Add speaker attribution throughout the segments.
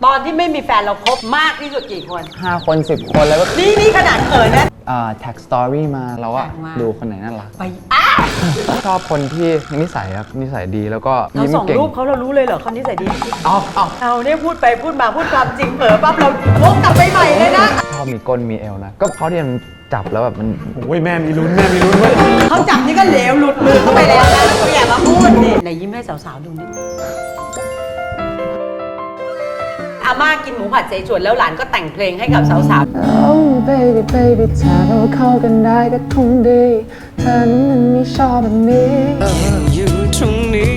Speaker 1: อนที่ไม่มีแฟนเราคบมากที่สุดกี่คน
Speaker 2: 5 คน10 คนแล้วก็
Speaker 1: นี่ขนาดเขินนะ
Speaker 2: แท็กสตอรี่มาเราก็ดูคนไหนน่ารัก
Speaker 1: ไป
Speaker 2: ชอบคนที่นิสัยครับนิสัยดีแล้วก็
Speaker 1: เราส่งรูปเขาเรารู้เลยเหรอคนนิสัยดี
Speaker 2: เอา
Speaker 1: เนี่ยพูดไปพูดมาพูดความจริงเผลอปั๊บเราวกกลับไปใหม่เลยนะ
Speaker 2: ชอบมีก้นมีเอวนะก็เพราะที่มันจับแล้วแบบมัน
Speaker 3: โอ้ยแม่มีลุ้นเว้ย
Speaker 1: เขาจับนี่ก็เหลวหลุดมือเข้าไปแล้วนะเขาอย่ามาพูดดิไหนยิ้มให้สาวๆดูนิดอาม่ากินหมูผัดเสฉวนแล้วหลานก็แต่งเพลงให้กับสาวๆ
Speaker 2: Oh baby baby ถ้าเราเข้ากันได้ก็คงดีเธอนั้นมันไม่ชอบแบบนี้
Speaker 4: อยู่ตรงนี้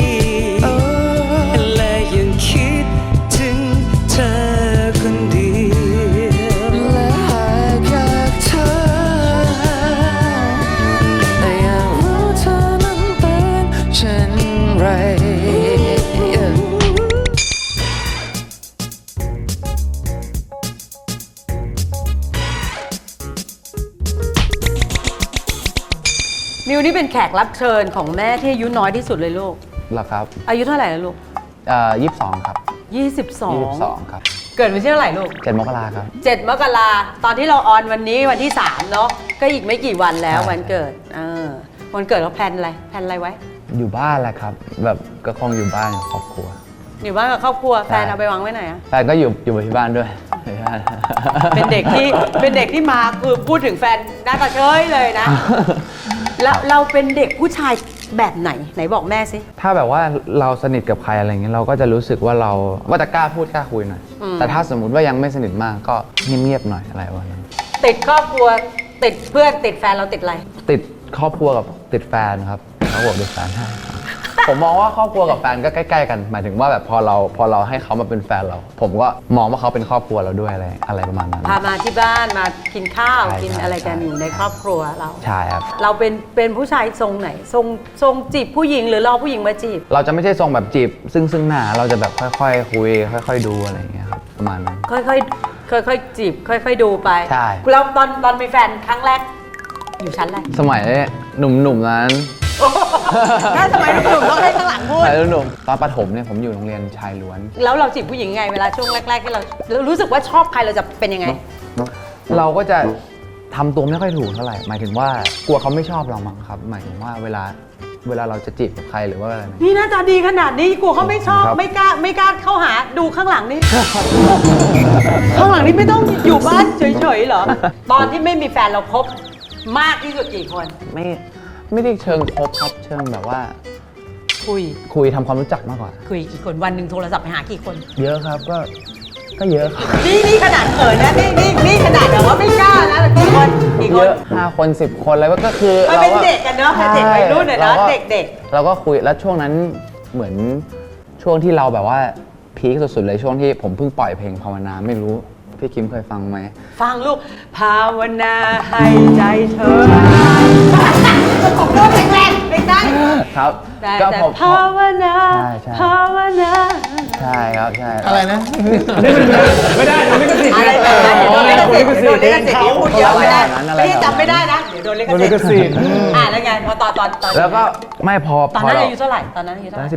Speaker 4: และยังคิดถึงเธอคนเดียวและหากอยากเธอแต่อยากรู้เธอนั้นเป็นเช่นไร
Speaker 1: มิวนี่เป็นแขกรับเชิญของแม่ที่อายุน้อยที่สุดเลยลูก
Speaker 2: เหรอครับ
Speaker 1: อายุเท่าไหร่แล้วลูก
Speaker 2: 22ครับ22ครับ
Speaker 1: เกิดวันที่เท่าไหร่ลูก
Speaker 2: 7 มกราครับ
Speaker 1: 7 มกราตอนที่เราออนวันนี้วันที่3เนาะก็อีกไม่กี่วันแล้ววันเกิดวันเกิดเราแพลนอะไรไว้
Speaker 2: อยู่บ้านแหละครับแบบก็คงอยู่บ้านกับครอบครัว
Speaker 1: อยู่บ้านกับครอบครัวแฟนเอาไปวางไว้ไหนอะ
Speaker 2: แฟนก็อยู่ที่บ้านด้วย
Speaker 1: เป็นเด็กที่มาคือพูดถึงแฟนหน้าตาเฉยเลยนะแล้วเราเป็นเด็กผู้ชายแบบไหนบอกแม่สิ
Speaker 2: ถ้าแบบว่าเราสนิทกับใครอะไรเงี้ยเราก็จะรู้สึกว่าเราจะกล้าพูดกล้าคุยหน่อยแต่ถ้าสมมุติว่ายังไม่สนิทมากก็เงียบๆหน่อยอะไรวะนั้น
Speaker 1: ติดครอบครัวติดเพื่อนติดแฟนเราติดอะไร
Speaker 2: ติดครอบครัวกับติดแฟนครับเขาบอกติดแฟนให้ผมมองว่าครอบครัวกับแฟนก็ใกล้ๆกันหมายถึงว่าแบบพอเราให้เขามาเป็นแฟนเราผมก็มองว่าเขาเป็นครอบครัวเราด้วยอะไรประมาณนั้น
Speaker 1: พามาที่บ้านมากินข้าวกินอะไรกันอยู่ในครอบครัวเรา
Speaker 2: ใช่ครับ
Speaker 1: เราเป็นผู้ชายทรงไหนทรงจีบผู้หญิงหรือรอผู้หญิงมาจีบ
Speaker 2: เราจะไม่ใช่ทรงแบบจีบซึ่งหน้าเราจะแบบค่อยๆคุยค่อยๆดูอะไรอย่างเงี้ยครับประมาณนั้น
Speaker 1: ค่อยๆจีบค่อยๆดูไป
Speaker 2: ใช่
Speaker 1: แล้วตอนมีแฟนครั้งแรกอยู่ชั้นอะไร
Speaker 2: สมัยหนุ่มๆนั้น
Speaker 1: ถ้าสมัยหนุ่มๆต้องให้ข้างหลังพูด
Speaker 2: หนุ่มตอนประถมเนี่ยผมอยู่โรงเรียนชายล้วน
Speaker 1: แล้วเราจีบผู้หญิงไงเวลาช่วงแรกๆที่เรารู้สึกว่าชอบใครเราจะเป็นยังไง
Speaker 2: เราก็จะทำตัวไม่ค่อยถูกเท่าไหร่หมายถึงว่ากลัวเขาไม่ชอบเรามั้งครับหมายถึงว่าเวลาเราจะจีบกับใครหรือว่าอะไร
Speaker 1: นี่หน้าตาดีขนาดนี้กลัวเขาไม่ชอบไม่กล้าเข้าหาดูข้างหลังนี่ ข้างหลังนี่ไม่ต้องอยู่บ้านเฉยๆเหรอตอนที่ไม่มีแฟนเราคบมากที่สุดกี่คน
Speaker 2: ไม่ได้เชิงคบครับเชิงแบบว่าคุยทำความรู้จักมากกว่า
Speaker 1: คุยกี่คนวันหนึ่งโทรศัพท์ไปหากี่คน
Speaker 2: เยอะครับก็เยอะครับ
Speaker 1: นี่ขนาดเขินนะนี่ขนาดแบบว่าไม่กล้านะกี่คน
Speaker 2: เยอะ5 คน10 คนแล้วก็คือ
Speaker 1: เราเป็นเด็กกันเนาะเด็กวัยรุ่นเนาะเด็ก
Speaker 2: เราก็คุยแล้วช่วงนั้นเหมือนช่วงที่เราแบบว่าพีคสุดๆเลยช่วงที่ผมเพิ่งปล่อยเพลงภาวนาไม่รู้พี่คิมเคยฟังไหม
Speaker 1: ฟังลูกภาวนาให้ใจเธอผมพูดแรงๆไม่ได้
Speaker 2: ครับ
Speaker 1: ก็ผมภาวนาภาวนา
Speaker 2: ใช่ครับใช่
Speaker 3: อะไรนะไม่ได้โดนลิขสิทธิ์
Speaker 1: อะไรแบบนั้นโดนลิขสิทธิ์พูดเยอะไม่ได้พี่จำไม่ได้นะเดี๋ยวโดนลิขสิทธิ์แล้วไงพอตอน
Speaker 2: แล้วก็ไม่พอ
Speaker 1: ตอนนั้นอายุเท่าไหร่ตอนนั้นอายุเท่าไหร่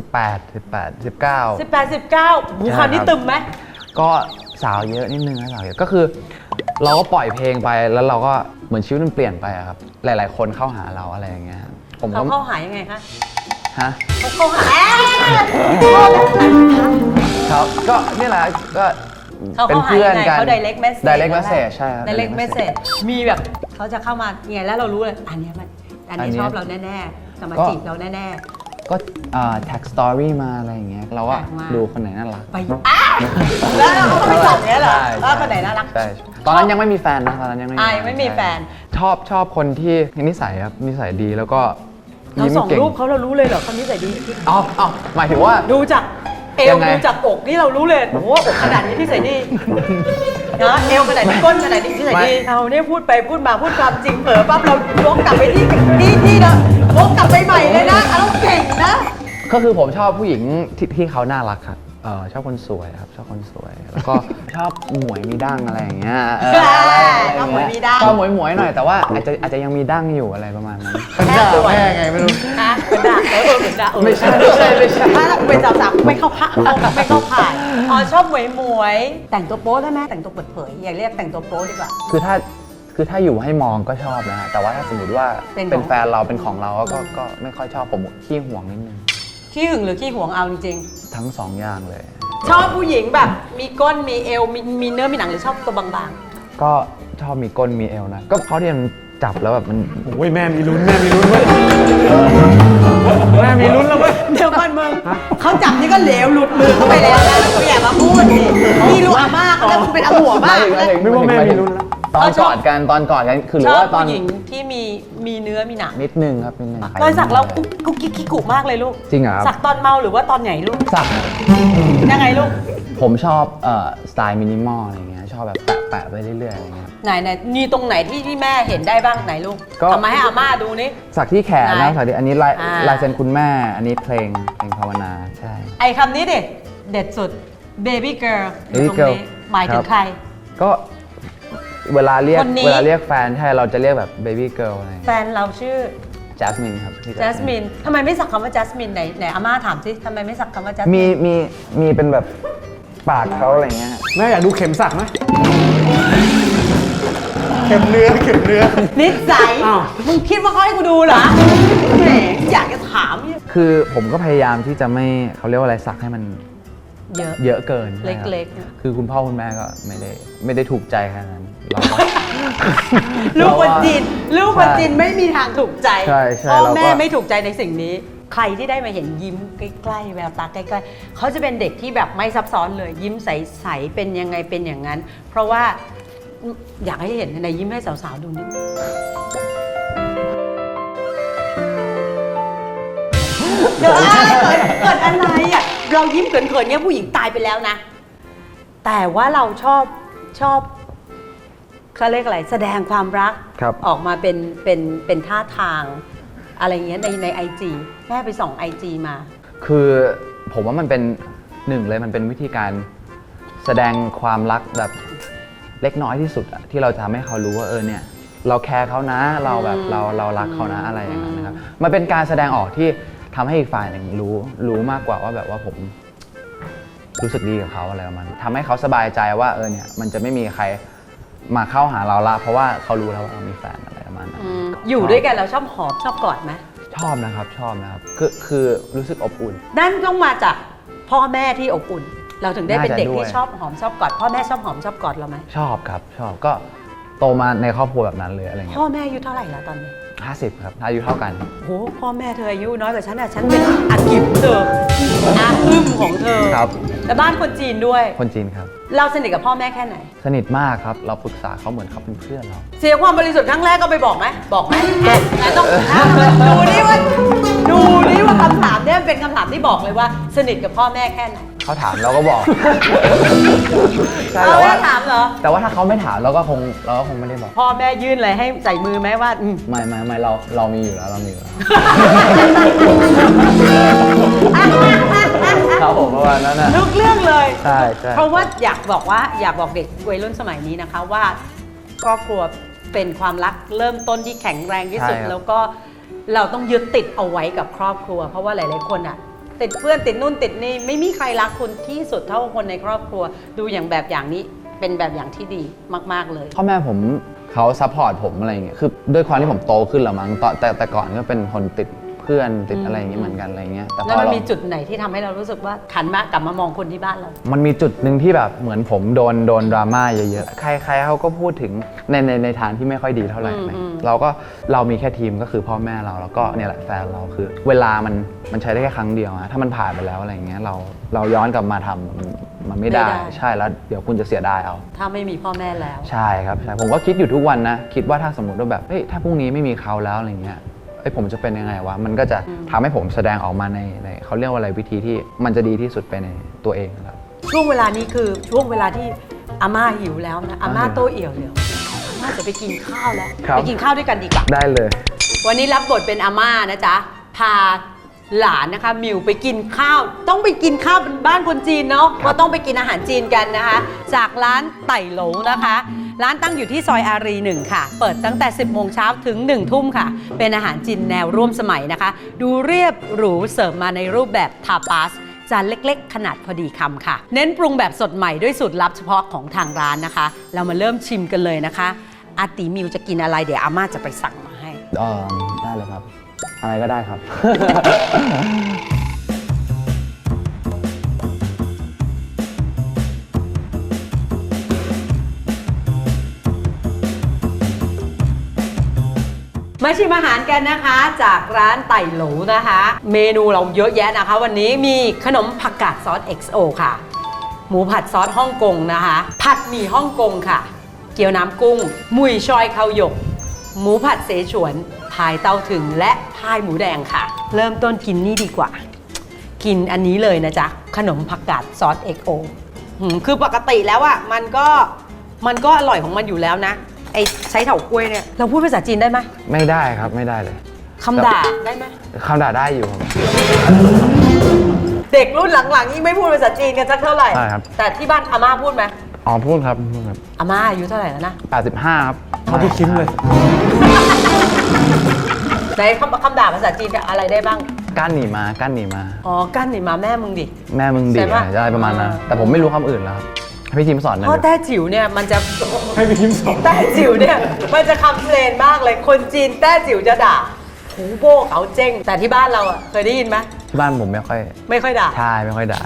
Speaker 2: 18
Speaker 1: 19หูคราวนี้ตึมไหม
Speaker 2: ก็สาวเยอะนิดนึงนะสาวเยอะก็คือเราก็ปล่อยเพลงไปแล้วเราก็เหมือนชีวิตมันเปลี่ยนไปอะครับหลายๆคนเข้าหาเราอะไรอย่างเงี้ย
Speaker 1: ผมเขาเข้าหายังไงคะ
Speaker 2: เขา
Speaker 1: เข้าหา
Speaker 2: ครับก็นี่แหละก็
Speaker 1: เป็นเพื่อนกันเขา direct
Speaker 2: message ใช่ครับ
Speaker 1: direct message มีแบบเขาจะเข้ามาไงแล้วเรารู้เลยอันนี้ชอบเราแน่ๆจะมาจีบเราแน่
Speaker 2: ก็แท็กสตอรี่มาอะไรอย่างเงี้ยเราว่าดูคนไหนน่ารัก
Speaker 1: ไปแล้วเราก็ไปจับเนี้ยเหรอว่าคนไหนน่ารัก
Speaker 2: ใช่ตอนนั้นยังไม่มีแฟนนะตอนนั้นยัง
Speaker 1: ไม่มีแฟน
Speaker 2: ชอบคนที่นิสัยครับนิสัยดีแล้วก็
Speaker 1: เราส่งรูปเขาเรารู้เลยเหรอคนนิสัยดี
Speaker 2: หมายถึงว่า
Speaker 1: ดูจากเอวดูจากอกนี่เรารู้เลยโอ้โหอกขนาดนี้ที่ใส่ดีนะเอวขนาดนี้ก้นขนาดนี้ที่ใส่ดีเราเนี่ยพูดไปพูดมาพูดความจริงเผลอปั๊บเราวกกลับไปที่เดิมวกกลับไปใหม่เลยนะเราเก่งนะ
Speaker 2: ก็คือผมชอบผู้หญิงที่เขาน่ารักครับชอบคนสวยครับชอบคนสวยแล้วก็ชอบหมวยมีดั้งอะไรอย่างเงี้ย
Speaker 1: ชอบหมวยมีดั้ง
Speaker 2: ชอบหมวยหน่อยแต่ว่าอาจจะยังมีดั้งอยู่อะไรประมาณนั้น
Speaker 1: แค่
Speaker 2: ด่าแม่ไงไม่รู้
Speaker 1: ฮะเหมือนด่าเหมือนด่า
Speaker 2: ไม่ใช่
Speaker 1: ถ้าเป็นสาวๆไม่เข้าข่ายอ๋อชอบหมวยแต่งตัวโป๊ได้ไหมแต่งตัวเปิดเผยอย่าเรียกแต่งตัวโป๊ดีกว่า
Speaker 2: คือถ้าอยู่ให้มองก็ชอบนะฮะแต่ว่าถ้าสมมติว่า
Speaker 1: เป็นของ
Speaker 2: เป็นแฟนเราเป็นของเราก็ไม่ค่อยชอบผมขี้ห่วงนิดนึง
Speaker 1: ขี้หึงหรือขี้หวงเอาจริง
Speaker 2: ทั้งสองอย่างเลย
Speaker 1: ๆชอบผู้หญิงแบบมีก้นมีเอวมีเนื้อมีหนังหรือชอบตัวบาง
Speaker 2: ก็ชอบมีก้นมีเอวนะก็เพราะที่มันจับแล้วแบบมัน
Speaker 3: โอ้ยแม่มีลุ้นแม่มีลุ้นเว้ยแม่มีลุ้นแล้วเว้ย
Speaker 1: ๆเดี๋ยวก่อนมึงเขาจับนี่ก็เหลวหลุดมือเข้าไปแล้วนะกูอย่ามาพูดดิพี่รู้อามากแล้วมึงเป็นอาหัวมาก
Speaker 3: ไม่ว่าแม่มีลุ้นแล้ว
Speaker 2: ตอนกอดกันคือหรื
Speaker 1: ช
Speaker 2: อ
Speaker 1: อบ
Speaker 2: ว่าตอน
Speaker 1: ผู้หญิงที่มีเนื้อมีหนัง
Speaker 2: นิดนึงครับนิดนึง
Speaker 1: รอยสักเรากุ๊กกิ๊กกิ๊กกุมากเลยลูก
Speaker 2: จริงเหรอครับ
Speaker 1: สักตอนเมาหรือว่าตอนไหนลูก
Speaker 2: สัก
Speaker 1: ยังไงลูก
Speaker 2: ผมชอบสไตล์มินิมอลอะไรเงี้ยชอบแบบแปะไปเรื่อยๆอะไรเงี้ย
Speaker 1: ไหนมีตรงไหนที่แม่เห็นได้บ้างไหนลูก
Speaker 2: ก็
Speaker 1: ทำมาให้อาม่าดูนี่
Speaker 2: สักที่แขน
Speaker 1: ไหน
Speaker 2: นะสักที่อันนี้
Speaker 1: อ่า
Speaker 2: ลายเซ็นคุณแม่อันนี้เพลงภาวนาใช่
Speaker 1: ไอ้คำนี้เด็ดสุด baby girl อยู่ตรง
Speaker 2: Baby girl
Speaker 1: นี้หมายถึ
Speaker 2: ครั
Speaker 1: ง
Speaker 2: บ
Speaker 1: ใคร
Speaker 2: ก็เวลาเรียก
Speaker 1: คนนี้
Speaker 2: เวลาเรียกแฟนใช่เราจะเรียกแบบเบบี้เกิร์ลอะไร
Speaker 1: แฟนเราชื่อ
Speaker 2: แจสมินครับพี่
Speaker 1: Jasmine ทำไมไม่สักคำว่า Jasmine ไหนอาม่าถามสิทำไมไม่สักคำว่า Jasmine
Speaker 2: มีเป็นแบบปากเขาอะไรเงี้ย
Speaker 3: แม่อยากดูเข็มสักไหมเข็มเนื้อ
Speaker 1: นิสัย
Speaker 3: อ้าว
Speaker 1: มึงคิดว่าเขาให้กูดูเหรอแหมอยากจะถามเนี่ย
Speaker 2: คือผมก็พยายามที่จะไม่เขาเรียกว่าอะไรสักให้มัน
Speaker 1: เยอะ
Speaker 2: เยอะเกิน
Speaker 1: เล็กๆ
Speaker 2: ใช่ครับคือคุณพ่อคุณแม่ก็ไม่ได้ถูกใจขนาดนั้นเราก็
Speaker 1: ลูกคนจีนลูกคนจีนไม่มีทางถูกใจ
Speaker 2: ใช่ใช่
Speaker 1: พ่อ
Speaker 2: เราก็
Speaker 1: แม่ไม่ถูกใจในสิ่งนี้ ใครที่ได้มาเห็นยิ้มใกล้ๆแววตาใกล้ๆเขาจะเป็นเด็กที่แบบไม่ซับซ้อนเลย ยิ้มใสๆเป็นยังไงเป็นอย่างนั้น เพราะว่าอยากให้เห็นในยิ้มให้สาวๆดูนิดนึงเกิดอะไรอ่ะเรายิ้มเขินๆเนี่ยผู้หญิงตายไปแล้วนะ แต่ว่าเราชอบเขาเรียกอะไรแสดงความรัก
Speaker 2: ครับ
Speaker 1: ออกมาเป็นท่าทางอะไรเงี้ยในไอจีแม่ไปส่องไอจีมา
Speaker 2: คือผมว่ามันเป็นหนึ่งเลยมันเป็นวิธีการแสดงความรักแบบเล็กน้อยที่สุดอะที่เราจะทำให้เขารู้ว่าเนี่ยเราแคร์เขานะเราแบบเรารักเขานะอะไรอย่างนั้นนะครับมันเป็นการแสดงออกที่ทำให้อีกฝ่ายหนึ่งรู้มากกว่าว่าแบบว่าผมรู้สึกดีกับเขาอะไรประมาณนั้นทำให้เขาสบายใจว่าเนี่ยมันจะไม่มีใครมาเข้าหาเราละเพราะว่าเขารู้แล้วว่าเรามีแฟนอะไรประมาณนั้น
Speaker 1: อยู่ด้วยกันเราชอบหอมชอบกอดไหม
Speaker 2: ชอบนะครับคือรู้สึกอบอุ่น
Speaker 1: นั่นต้องมาจากพ่อแม่ที่อบอุ่น เราถึงได้เป็นเด็ก
Speaker 2: น่าจะด้วย
Speaker 1: ที่ชอบหอมชอบกอดพ่อแม่ชอบหอมชอบกอดเราไหม
Speaker 2: ชอบครับชอบก็โตมาในครอบครัวแบบนั้นเลยอะไรเงี้
Speaker 1: พ่อย แม่อายุเท่าไหร่แล้วตอนนี้
Speaker 2: 50ครับอายุเท่ากัน
Speaker 1: โหพ่อแม่เธออายุน้อยกว่าฉันอ่ะฉันเป็นอากิบเธออาอึ้มของเธอ
Speaker 2: ครับ
Speaker 1: แต่บ้านคนจีนด้วย
Speaker 2: คนจีนครับ
Speaker 1: เราสนิทกับพ่อแม่แค่ไหน
Speaker 2: สนิทมากครับเราปรึกษาเขาเหมือนเขาเป็นเพื่อนเรา
Speaker 1: เสียความบริสุทธิ์ครั้งแรกก็ไปบอกไหมบอกไหมงั้นต้องดูนี่ว่าคำถามเนี่ยเป็นคำถามที่บอกเลยว่า สนิทกับพ่อแม่แค่ไหน
Speaker 2: เขาถามเราก็บอก ใช่
Speaker 1: เอา
Speaker 2: แต่
Speaker 1: แม่
Speaker 2: ว่า
Speaker 1: ถามเหรอ
Speaker 2: แต่ว่าถ้าเขาไม่ถามเราก็คงไม่ได้บอก
Speaker 1: พ่อแม่ยื่นอะไรให้ใส่มือไหมว่า
Speaker 2: ไม่เรามีอยู่แล้วเรามีอยู่แล้วครับผมประมาณนั้นนะ
Speaker 1: ทุกเรื่องเลย
Speaker 2: ใช่
Speaker 1: เพราะว่าอยากบอกเด็กวัยรุ่นสมัยนี้นะคะว่าครอบครัวเป็นความรักเริ่มต้นที่แข็งแรงที่สุด แล้วก็เราต้องยึดติดเอาไว้กับครอบครัว เพราะว่าหลายๆคนอ่ะติดเพื่อนติดนู่นติดนี่ไม่มีใครรักคุณที่สุดเท่าคนในครอบครัวดูอย่างแบบอย่างนี้เป็นแบบอย่างที่ดีมากๆเลย
Speaker 2: พ่อแม่ผมเขาซัพพอร์ตผมอะไรอย่างเงี้ยคือด้วยความที่ผมโตขึ้นแล้วมั้งแต่ก่อนก็เป็นคนติดเพื่อนติดอะไรอย่างเงี้ยเหมือนกันอะไรอย่างเงี้ยแต่พ
Speaker 1: แล้ว
Speaker 2: อ
Speaker 1: มัน
Speaker 2: เรา
Speaker 1: มีจุดไหนที่ทำให้เรารู้สึกว่าขันมากลับมามองคนที่บ้านเรา
Speaker 2: มันมีจุดหนึ่งที่แบบเหมือนผมโดนดราม่าเยอะๆ ใครเขาก็พูดถึงในทางที่ไม่ค่อยดีเท่าไหร่นะเรามีแค่ทีมก็คือพ่อแม่เราแล้วก็เนี่ยแหละแฟนเราคือ เวลามันใช้ได้แค่ครั้งเดียวอะถ้ามันผ่านไปแล้วอะไรเงี้ยเราย้อนกลับมาทำมันไม่ได้ใช่แล้วเดี๋ยวคุณจะเสียดายเอา
Speaker 1: ถ้าไม่มีพ่อแม่แล้ว
Speaker 2: ใช่ครับใช่ผมก็คิดอยู่ทุกวันนะคิดว่าถ้าสมมติว่าแบบเฮ้ยถ้าพรุ่งนี้ไม่มีเขาแล้วอะไรเงี้ยผมจะเป็นยังไงวะมันก็จะทำให้ผมแสดงออกมาในเขาเรียกว่าอะไรวิธีที่มันจะดีที่สุดไปในตัวเองครับ
Speaker 1: ช่วงเวลานี้คือช่วงเวลาที่อาม่าหิวแล้วนะอาม่าโตเอี่ยวเลยอาม่าจะไปกินข้าวแล้ว
Speaker 2: ครับ
Speaker 1: ไปกินข้าวด้วยกันดีกว่า
Speaker 2: ได้เลย
Speaker 1: วันนี้รับบทเป็นอาม่านะจ๊ะพาหลานนะคะมิวไปกินข้าวต้องไปกินข้าวเป็นบ้านคนจีนเนาะก็ต้องไปกินอาหารจีนกันนะคะ จากร้านไต่หลงนะคะร้านตั้งอยู่ที่ซอยอารี1ค่ะเปิดตั้งแต่ 10 โมงเช้าถึง 1 ทุ่มค่ะเป็นอาหารจีนแนวร่วมสมัยนะคะดูเรียบหรูเสิร์ฟมาในรูปแบบทาปาสจานเล็กๆ ขนาดพอดีคำค่ะเน้นปรุงแบบสดใหม่ด้วยสูตรลับเฉพาะของทางร้านนะคะเรามาเริ่มชิมกันเลยนะคะอาติมิวจะกินอะไรเดี๋ยวอาม่าจะไปสั่งมาให้
Speaker 2: ได้เลยครับ อะไรก็ได้ครับ
Speaker 1: มาชิมอาหารกันนะคะจากร้านไต่หลูนะคะ เมนูเราเยอะแยะนะคะ วันนี้มีขนมผักกาดซอส XO ค่ะ หมูผัดซอสฮ่องกงนะคะ ผัดหมี่ฮ่องกงค่ะ เกี๊ยวน้ำกุ้ง มุยชอยข้าวหยก หมูผัดเสฉวนพายเต้าถึงและพายหมูแดงค่ะ เริ่มต้นกินนี่ดีกว่า กินอันนี้เลยนะจ๊ะขนมผักกาดซอส XO คือปกติแล้วอะมันก็อร่อยของมันอยู่แล้วนะไอ้ใช้เถากล้วยเนี่ยเราพูดภาษาจีนได้ไหม
Speaker 2: ไม่ได้ครับไม่ได้เลย
Speaker 1: คำด่าได้ไหม
Speaker 2: คำด่าได้อยู่ครับ
Speaker 1: เด็กรุ่นหลังๆยิ่งไม่พูดภาษาจีนกันสักเท่าไหร่
Speaker 2: ใช่ครับ
Speaker 1: แต่ที่บ้านอาม่าพูดไหม
Speaker 2: อ๋อพูดครับพูดครับ
Speaker 1: อาม่าอายุเท่าไหร่แล้วนะ
Speaker 2: 85ครับ
Speaker 3: เขาที่คิมเลย
Speaker 1: ไหนคำด่าภาษาจีนอะไรได้บ้าง
Speaker 2: ก้านหนีมาก้านหนีมา
Speaker 1: อ๋อกั้นนี่มาแม่มึงดิ
Speaker 2: แม่มึงดี
Speaker 1: ใช่ปะ
Speaker 2: อะไรประมาณนั้นแต่ผมไม่รู้คำอื่นแล้วครับให้พี่ทีมสอนหน่อย
Speaker 1: เพราะ
Speaker 2: ดิ
Speaker 1: แต้จิ๋วเนี่ยมันจะ
Speaker 3: ให้พี่คิมสอน
Speaker 1: แต้จิ๋วเนี่ยมันจะคำเพลนมากเลยคนจีนแต้จิ๋วจะด่าหูโบกเขาเจ้งแต่ที่บ้านเราอะเคยได้ยินไหม
Speaker 2: ที่บ้านผมไม่ค่อย
Speaker 1: ไม่ค่อยด่า
Speaker 2: ใช่ไม่ค่อยด่า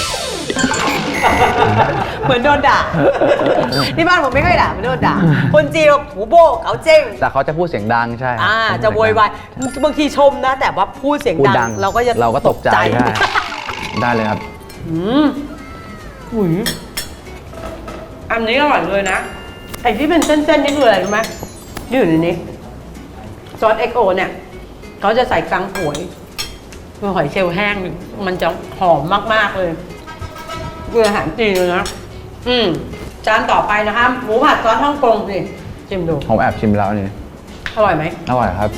Speaker 1: เหมือนโดนด่า ที่บ้านผมไม่ค่อยด่าไม่โดนด่า คนจีนบอกหูโบกเขาเจ้ง
Speaker 2: แต่เขาจะพูดเสียงดังใช่ครับ
Speaker 1: จะโวยวายบางทีชมนะ แต่ว่าพูดเสียง
Speaker 2: พูด
Speaker 1: ดั
Speaker 2: ดั
Speaker 1: ง
Speaker 2: ง
Speaker 1: เราก็จะ
Speaker 2: เราก็ตกใจใช่ได้เลยครับ
Speaker 1: อืมหุยอันนี้อร่อยเลยนะ ไอ้ที่เป็นเส้นๆนี่คืออะไรรู้ไหมที่อยู่ในนี้ซอส XO เนี่ยเขาจะใส่กังหวยคือหอยเชลล์แห้งมันจะหอมมากๆเลยคืออาหารจีนเลยนะจานต่อไปนะคะหมูผัดซอสฮ่องกงสิชิมดู
Speaker 2: ผมแอบชิมแล้วนี่
Speaker 1: อร่อยไหม
Speaker 2: อร่อยครับ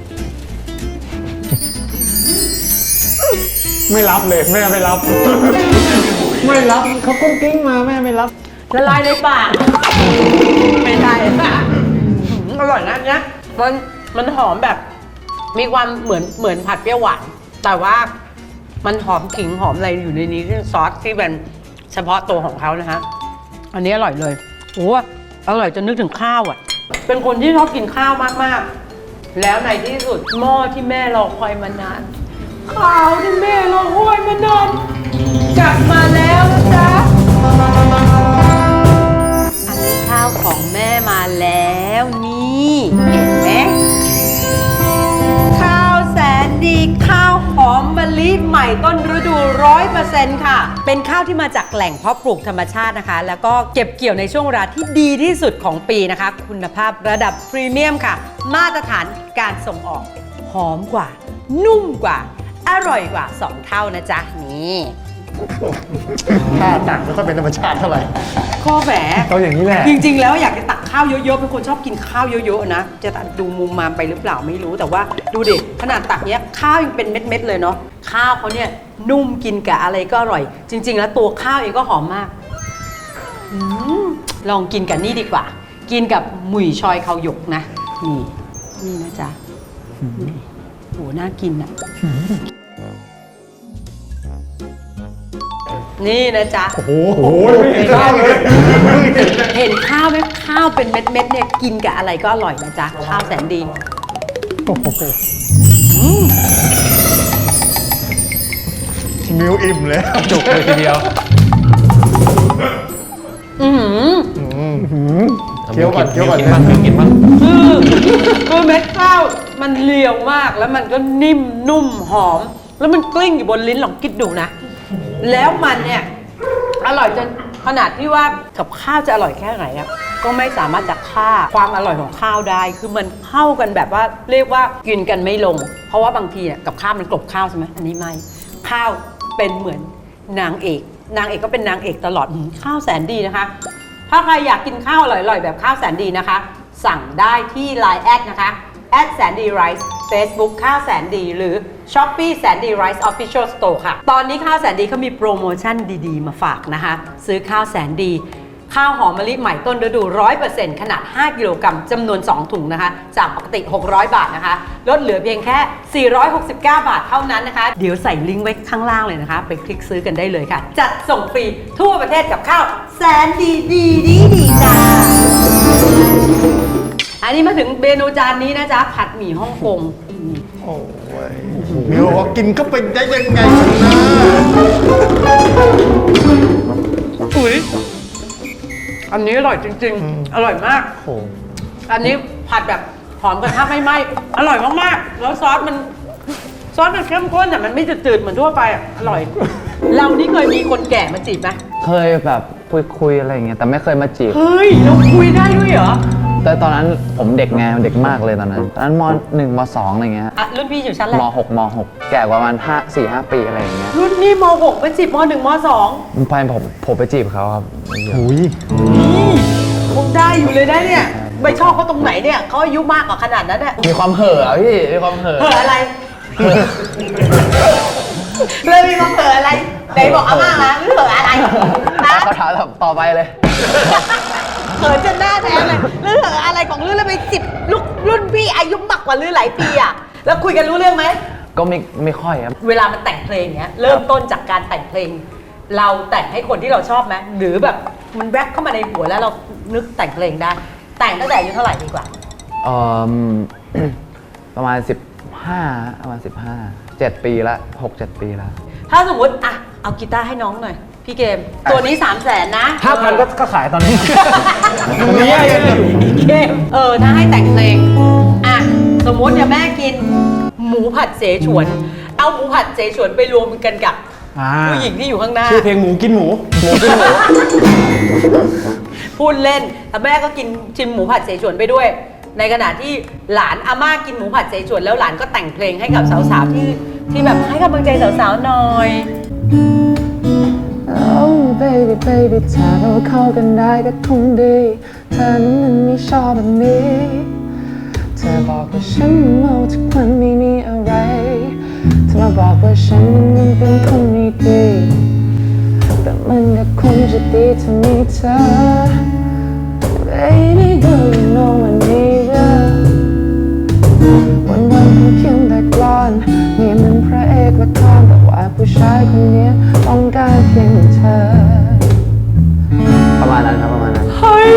Speaker 3: ไม่รับเลยแม่ไม่รับ ไม่รับเขากุ้งกิ้งมาแม่ไม่รับ
Speaker 1: ละลายในปากไม่ใช่อร่อยนะเนี่ยมันหอมแบบ มีความเหมือนผัดเปรี้ยวหวานแต่ว่ามันหอมขิงหอมอะไรอยู่ในนี้ที่ซอสที่เป็นเฉพาะตัวของเขานะฮะอันนี้อร่อยเลยโอ้อร่อยจนนึกถึงข้าวอ่ะ เป็นคนที่ชอบกินข้าวมากๆแล้วในที่สุดหม้อที่แม่รอคอยมานานข้าวที่แม่รอคอยมานานกลับมาแล้วนะจ๊ะอันนี้ข้าวของแม่มาแล้วนี่เห็นไหมข้าวแสนดีข้าวหอมมะลิใหม่ต้นฤดู 100% ค่ะเป็นข้าวที่มาจากแหล่งเพาะปลูกธรรมชาตินะคะแล้วก็เก็บเกี่ยวในช่วงเวลาที่ดีที่สุดของปีนะคะคุณภาพระดับพรีเมียมค่ะมาตรฐานการส่งออกหอมกว่านุ่มกว่าอร่อยกว่า2เท่านะจ๊ะนี่
Speaker 3: ท่าตักไม่ค่อยเป็นธรรมชาติเท่าไหร่
Speaker 1: ข้อแหม
Speaker 3: เขาอย่างนี้แหละ
Speaker 1: จริงๆแล้วอยากจะตักข้าวเยอะๆเป็นคนชอบกินข้าวเยอะๆนะจะดูมุมมามไปหรือเปล่าไม่รู้แต่ว่าดูดิขนาดตักเนี้ยข้าวยังเป็นเม็ดๆเลยเนาะข้าวเขาเนี่ยนุ่มกินกับอะไรก็อร่อย จริง ๆ แล้วตัวข้าวเองก็หอมมากลองกินกับนี่ดีกว่า กินกับหมุ่ยชอยข้าวหยกนะนี่นะจ๊ะนี่โหน่ากินอ่ะนี่นะจ๊ะ
Speaker 3: โอ้โหไม่เห็นข้าวเลย
Speaker 1: เห็นข้าวไหมข้าวเป็นเม็ดๆเนี่ยกินกับอะไรก็อร่อยนะจ๊ะข้าวแสนดี
Speaker 3: มิวอิ่มเลย
Speaker 2: จุกเลยทีเดียว
Speaker 3: เคี้ยวก่อน
Speaker 2: กินบ้างกินบ้าง
Speaker 1: คือเม็ดข้าวมันเรียวมากแล้วมันก็นิ่มนุ่มหอม แล้วมันกลิ้งอยู่บนลิ้นลองคิดดูนะ แล้วมันเนี่ยอร่อยจนขนาดที่ว่ากับข้าวจะอร่อยแค่ไหนอ่ะก็ไม่สามารถจะฆ่าความอร่อยของข้าวได้ คือมันเข้ากันแบบว่าเรียกว่ากินกันไม่ลง เพราะว่าบางทีเนี่ยกับข้าวมันกลบข้าวใช่ไหมอันนี้ไม่ข้าวเป็นเหมือนนางเอกก็เป็นนางเอกตลอดข้าวแสนดีนะคะ ถ้าใครอยากกินข้าวอร่อยๆแบบข้าวแสนดีนะคะ สั่งได้ที่ Line แอดนะคะแสนดีไรซ์ Facebook ข้าวแสนดีหรือ Shopee แสนดีไรซ์ Official Store ค่ะตอนนี้ข้าวแสนดีเขามีโปรโมชั่นดีๆมาฝากนะคะซื้อข้าวแสนดีข้าวหอมมะลิใหม่ต้นฤดู 100% ขนาด 5 กิโลกรัมจำนวน 2 ถุงนะคะ จากปกติ 600 บาทนะคะ ลดเหลือเพียงแค่ 469 บาทเท่านั้นนะคะ เดี๋ยวใส่ลิงก์ไว้ข้างล่างเลยนะคะ ไปคลิกซื้อกันได้เลยค่ะ จัดส่งฟรีทั่วประเทศกับข้าวแสนดีจ้า อันนี้มาถึงเมนูจานนี้นะจ๊ะ ผัดหมี่ฮ่องกง
Speaker 3: โอ้ยมิวบอกว่ากินก็เป็นได้ยังไงนะ
Speaker 1: อุ๊ยอันนี้อร่อยจริงๆ อร่อยมาก
Speaker 3: โอ้
Speaker 1: อันนี้ผัดแบบหอมกระทะไม่ไหม้อร่อยมากๆ แล้วซอสมันเข้มข้นแต่มันไม่จืดๆเหมือนทั่วไปอ่ะ อร่อย เรานี่เคยมีคนแก่มาจีบไหม
Speaker 2: เคยแบบคุยอะไรอย่างเงี้ยแต่ไม่เคยมาจีบ
Speaker 1: เฮ้ย เราคุยได้ด้วยเหรอ
Speaker 2: แต่ตอนนั้นผมเด็กไงเด็กมากเลยตอนนั้นม.1 ม.2 อะไรเงี้ย
Speaker 1: อ่ะ รุ่นพี่อยู่ชั้นอะไร
Speaker 2: ม.6 ม.6 แก่กว่าประมาณ4-5 ปีอะไรอย่างเงี้ย
Speaker 1: รุ่นนี่ม .6 ไปจีบม .1 ม .2
Speaker 2: ไปผมไปจีบเขาครับ
Speaker 3: โหย
Speaker 1: นี่คงได้อยู่เลยนะเนี่ย ไม่ชอบเขาตรงไหนเนี่ยเขาอายุมากกว่าขนาดนั้นเนี่ย
Speaker 2: มีความเห่อะพี่มีความเห่อะ
Speaker 1: เผลออะไรเลยมีความเผลออะไรไหนบอกอาม่ามาหรือเผลออะไรนะ
Speaker 2: เขาถามต่อไปเลย
Speaker 1: เขินจนหน้าแท้เลยเรื่องอะไรของเรื่องแล้วไปจิบลูกรุ่นพี่อายุมากกว่าเรื่องหลายปีอ่ะแล้วคุยกันรู้เรื่องไหม
Speaker 2: ก็ไม่ค่อยครับ
Speaker 1: เวลามันแต่งเพลงเนี้ยเริ่มต้นจากการแต่งเพลง เราแต่งให้คนที่เราชอบไหมหรือแบบมันแวบเข้ามาในหัวแล้วเรานึกแต่งเพลงได้ แต่งตั้งแต่อายุเท่าไหร่ดีกว่า
Speaker 2: เอ่อ ประมาณ15ประมาณ15 7 ปีละ6-7 ปีละ
Speaker 1: ถ้าสมมติอ่ะเอากีตาร์ให้น้องหน่อยพี่เกม ตัวนี้ 300,000นะ
Speaker 3: 5,000ก็ขายตอนนี้
Speaker 1: เนี่ยเกมถ้าให้แต่งเพลงอ่ะสมมติอย่าแม่กินหมูผัดเสฉวน เอาหมูผัดเสฉวนไปรวมกันกับ ผู้หญิงที่อยู่ข้างหน้า
Speaker 3: ชื่อเพลงหมูกินหมู
Speaker 1: พูดเล่นแต่แม่ก็กินชิมหมูผัดเสฉวนไปด้วย ในขณะที่หลานอาม่ากินหมูผัดเสฉวนแล้วหลานก็แต่งเพลงให้กับสาวๆที่แบบให้กำลังใจสาวๆหน่อย
Speaker 2: Oh baby baby ถ้าเราเข้ากันได้ก็คงดีเธอนั้นมันไม่ชอบแบบนี้เธอบอกว่าฉันเมาทุกวันไม่มีอะไรเธอมาบอกว่าฉันมันเป็นคนไม่ดีแต่มันก็คงจะดีถ้ามีเธอ Baby do you know I need you วันเป็นเพียงแต่กลอนนี่มันพระเอกละครแต่ว่าผู้ชายคนนี้ต้องการเพียงเธอ ประมาณนั้นครับประมาณนั้น
Speaker 1: เฮ้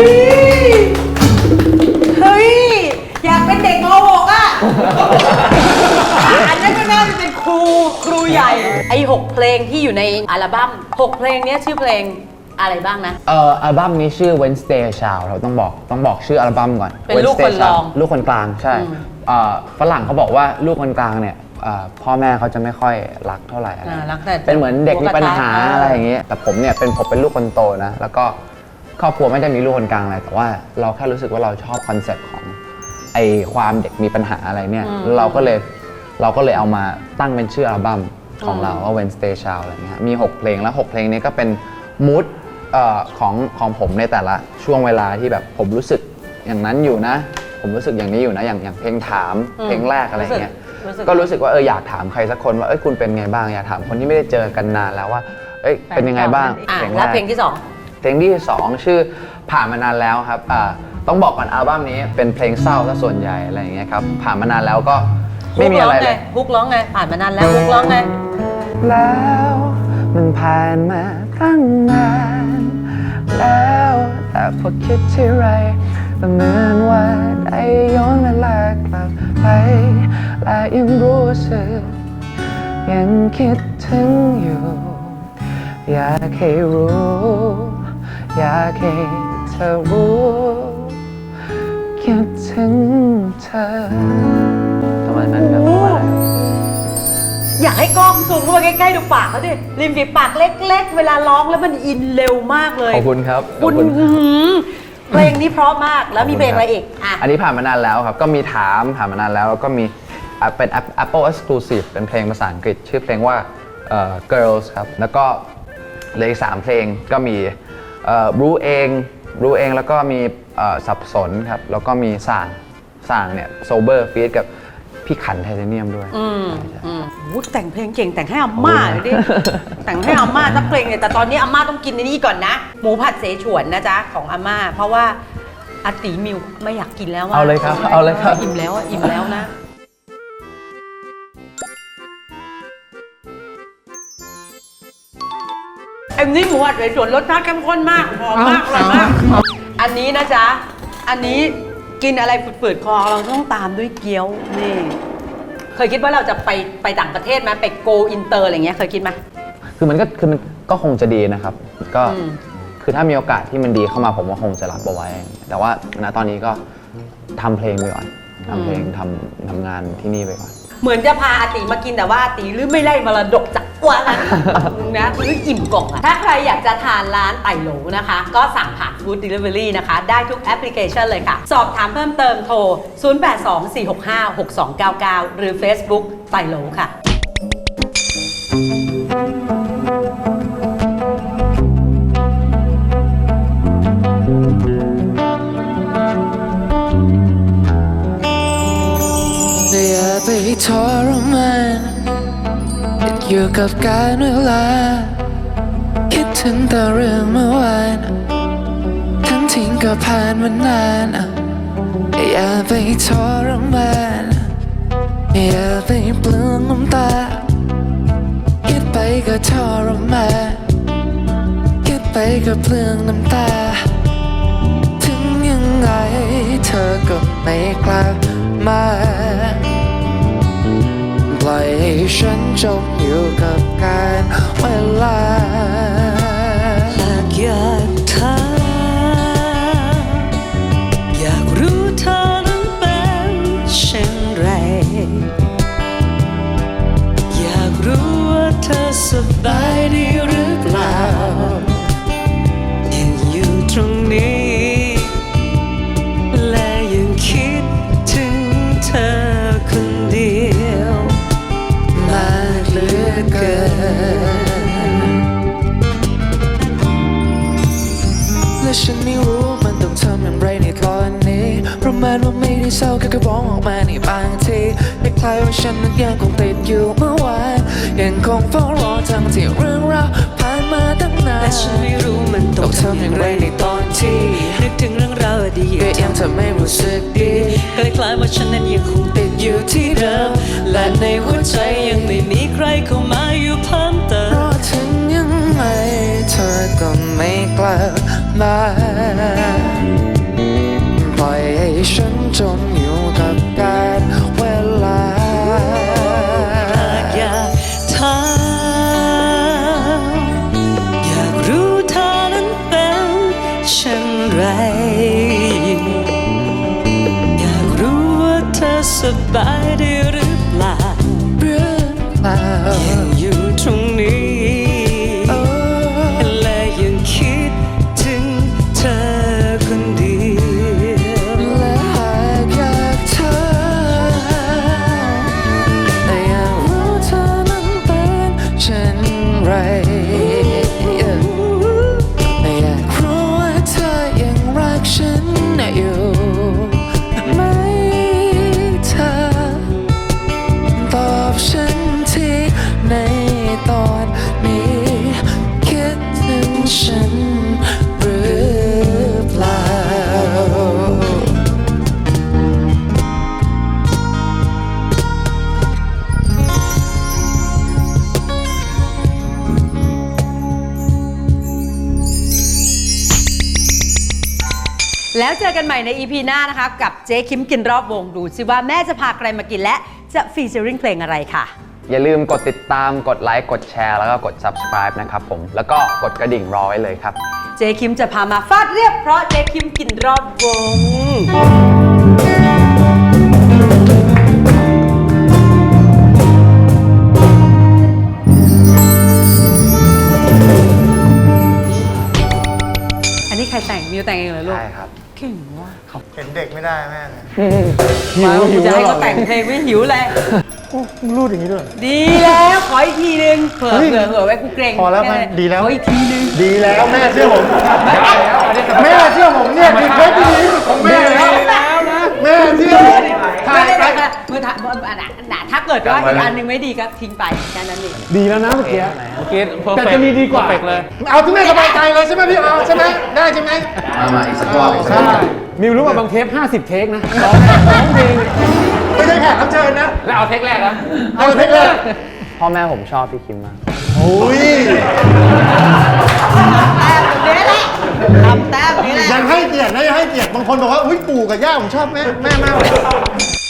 Speaker 1: ย อยากเป็นเด็กม .6 อ่ะ อันนั้นก็น่าจะเป็นครูใหญ่ ไอ้ 6 เพลงที่อยู่ในอัลบั้ม 6 เพลงเนี้ยชื่อเพลงอะไรบ้างนะ
Speaker 2: อัลบั้มนี้ชื่อ Wednesday Child เราต้องบอกชื่ออัลบั้มก่อน
Speaker 1: เป็นลูกคนรอง
Speaker 2: ลูกคนกลางใช่ฝรั่งเขาบอกว่าลูกคนกลางเนี่ยพ่อแม่เขาจะไม่ค่อยรักเท่าไหร่อะไร
Speaker 1: รักแต่
Speaker 2: เป็นเหมือนเด็กมีปัญหา
Speaker 1: หัวกระทะ
Speaker 2: อะไรอย่างเงี้ยแต่ผมเนี่ยผมเป็นลูกคนโตนะแล้วก็ครอบครัวไม่ได้มีลูกคนกลางอะไรแต่ว่าเราแค่รู้สึกว่าเราชอบคอนเซ็ปต์ของไอความเด็กมีปัญหาอะไรเนี่ยแล้วเราก็เลยเอามาตั้งเป็นชื่ออัลบั้มของเราว่า Wednesday Child อะไรเงี้ยมี6 เพลงแล้ว6 เพลงนี้ก็เป็นมูดของผมในแต่ละช่วงเวลาที่แบบผมรู้สึกอย่างนั้นอยู่นะ ผมรู้สึกอย่างนี้อยู่นะอย่างเพลงถามเพลงแรกอะไรเงี้ยก็รู้สึกว่าอยากถามใครสักคนว่าคุณเป็นไงบ้างอยากถามคนที่ไม่ได้เจอกันนานแล้วว่าเป็นยังไงบ้าง
Speaker 1: แล้วเพลงที่
Speaker 2: เพลงที่ 2 ชื่อผ่านมานานแล้วครับต้องบอกก่อนอัลบั้มนี้เป็นเพลงเศร้าซะส่วนใหญ่อะไรอย่างเงี้ยครับผ่านมานานแล้วก็
Speaker 1: 2
Speaker 2: ไม่มีอะไรเลย
Speaker 1: ฮุกร้องไง ผ่านมานานแล้วฮุกร้องไง
Speaker 2: แล้วมันผ่านมาตั้งนานแล้วแต่พอคิดที่ไรก็เหมือนว่าได้ย้อนเวลากลับไปและยังรู้สึกยังคิดถึงอยู่อยากให้รู้อยากให้เธอรู้คิดถึงเธอประมาณนั้นครับประมาณนั้น
Speaker 1: อยากให้กล้องซูมเข้ามาใกล้ๆดูปากเขาดิริมฝีปากเล็กๆ เวลาร้องแล้วมันอินเร็วมากเลย
Speaker 2: ขอบคุณครับ
Speaker 1: คุณเพลงนี้เพราะมากแล้วมีเพลงอะไรอีกอ่ะ
Speaker 2: อันนี้ผ่านมานานแล้วครับก็มีถามผ่านมานานแล้วแล้วก็มีเป็น Apple Exclusive เป็นเพลงภาษาอังกฤษชื่อเพลงว่าGirls ครับแล้วก็เหลืออีก3 เพลงก็มีรู้เองแล้วก็มีสับสนครับแล้วก็มีส่างเนี่ย Sober feat กับพี่ขันไทเทเนียมด้วย
Speaker 1: โอ้โหแต่งเพลงเก่งแต่งให้อาม่าเลยดิ แต่งให้อาม่าสักเพลงเนี่ยแต่ตอนนี้อาม่าต้องกินในนี่ก่อนนะ หมูผัดเสฉวนนะจ๊ะของอาม่าเพราะว่าอาตีมิวไม่อยากกินแล้ว
Speaker 2: เอาเลยครับเอาเลยครับ
Speaker 1: อิ่มแล้วอิ่มแล้วนะอันนี้หมูผัดเสฉวนรสชาติเข้มข้นมากหอมมากอร่อยมากอันนี้นะจ๊ะอันนี้กินอะไรฝืดๆคอเราต้องตามด้วยเกี๊ยวนี่เคยคิดว่าเราจะไปต่างประเทศไหมไปโกอินเตอร์อะไรเงี้ยเคยคิดไหม
Speaker 2: คือมันก็คงจะดีนะครับก็คือถ้ามีโอกาสที่มันดีเข้ามาผมว่าคงจะรับเอาไว้ แต่ว่าณตอนนี้ก็ทำเพลงไปก่อนทำเพลงทำงานที่นี่ไปก่อน
Speaker 1: เหมือนจะพาอาติมากินแต่ว่าอาติหรือไม่ไล่มรดกจากกวนนะหรืออิ่มกล่องอะถ้าใครอยากจะทานร้านไต่โหลนะคะ ก็สั่งผ่าน Food Delivery นะคะ ได้ทุกแอปพลิเคชันเลยค่ะ สอบถามเพิ่มเติมโทร 0824656299 หรือ Facebook ไต่โหลค่ะ
Speaker 4: อย่าไปทรมานติดอยู่กับการเวลาคิดถึงแต่เรื่องเมื่อวานทั้งทิ้งก็ผ่านมานานอย่าไปทรมานอย่าไปเปลืองน้ำตาคิดไปก็ทรมานคิดไปก็เปลืองน้ำตาถึงยังไงเธอก็ไม่กลับมาปล่อยให้ฉันจมอยู่กับการเวลาหากอยากถามอยากรู้เธอนั้นเป็นเช่นไรอยากรู้ว่าเธอสบายดีหรือเปล่ายังอยู่ตรงนี้และยังคิดถึงเธอคนเดียวมากเหลือเกินและฉันไม่รู้มันต้องทำอย่างไรในตอนนี้ประมาณว่าไม่ได้เศร้าแค่ร้องออกมาในบางทีไม่คล้ายว่าฉันนั้นยังคงติดอยู่เมื่อวานยังคงเฝ้ารอทั้งที่เรื่องราวผ่านมาตั้งนานและฉันไม่รู้มันต้องทำอย่างไรในตอนที่นึกถึงเรื่องราวอดีตก็ยังทำให้รู้สึกดีคล้ายๆว่าฉันนั้นยังคงติดอยู่ที่เดิมและในหัวใจยังไม่มีใครเข้ามาอยู่เพิ่มเติมเพราะถึงยังไงเธอก็ไม่กลับมาปล่อยให้ฉันจมอยู่กับการเวลาหากอยากถามอยากรู้เธอนั้นเป็นเช่นไรอยากรู้ว่าเธอสบายดีหรือเปล่ายังอยู่ตรงนี้และยังคิดถึงเธอคนเดียวและหากอยากถามอยากรู้เธอนั้นเป็นเช่นไรอยากรู้ว่าเธอยังรักฉันอยู่ไหมเธอตอบฉันทีในตอนนี้คิดถึงฉันหรือเปล่า
Speaker 1: แล้วเจอกันใหม่ใน EP หน้านะคะกับเจ๊คิมกินรอบวงดูซิว่าแม่จะพาใครมากินและจะฟีเจอริ่งเพลงอะไรค่ะ
Speaker 2: อย่าลืมกดติดตามกดไลค์กดแชร์แล้วก็กด subscribe นะครับผมแล้วก็กดกระดิ่งรอไว้เลยครับ
Speaker 1: เจ๊คิมจะพามาฟาดเรียบเพราะเจ๊คิมกินรอบวงอันนี้ใครแต่งมิวแต่งเองเหรอลูก
Speaker 2: ใช่ครับ
Speaker 1: เก่งว่ะ
Speaker 5: เห็นเด็กไม่ได้แม่เนี่ย
Speaker 1: มากูจะให้เขาแต่งเพลงไม่หิวเลย
Speaker 5: โอ้รูดอย่างนี้ด้วย
Speaker 1: ดีแล้วขออีกทีนึงเผื่อไว้กูเกรง
Speaker 5: พอแล้วแม่ดีแล้ว
Speaker 1: ขออีกทีนึง
Speaker 5: ดีแล้วแม่เชื่อผมแม่เชื่อผมเนี่ยคือเคสที่ดีที่สุดของแม่แล้วนะแม่เชื่อผมถ่ายไป
Speaker 1: มือถ่ายกิดว่าอีกอันหนึงไม่ดีก็ทิ้งไปแค่นั้นเอง
Speaker 5: ดีแล้วนะเมื่อกี้
Speaker 3: เมื่อกี้
Speaker 5: แต่จะมีดีกว่า
Speaker 3: perfect เลย
Speaker 5: เอาที่แม่สบายใจเลยใช่ไหมพี่เอาใช่ไหมได้ใช่ไหม
Speaker 2: มาอีกสักรอบอีกสักร
Speaker 5: ใช่
Speaker 2: อบ
Speaker 5: มิวรู้ว่าบางเทป50 เทคนะร้องเพลงไม่ใช่แขกรับเชิญนะ
Speaker 3: แล้วเอาเทคแรกนะ
Speaker 5: เอาเทคแรก
Speaker 2: พ่อแม่ผมชอบพี่คิมมาก
Speaker 5: โอ้ย
Speaker 1: แต้มนี้แหละทำแต้มนี้แหละ
Speaker 5: ยังให้เกียรตินะยังให้เกียรติบางคนบอกว่าอุ้ยปู่กับย่าผมชอบแม่มากเลย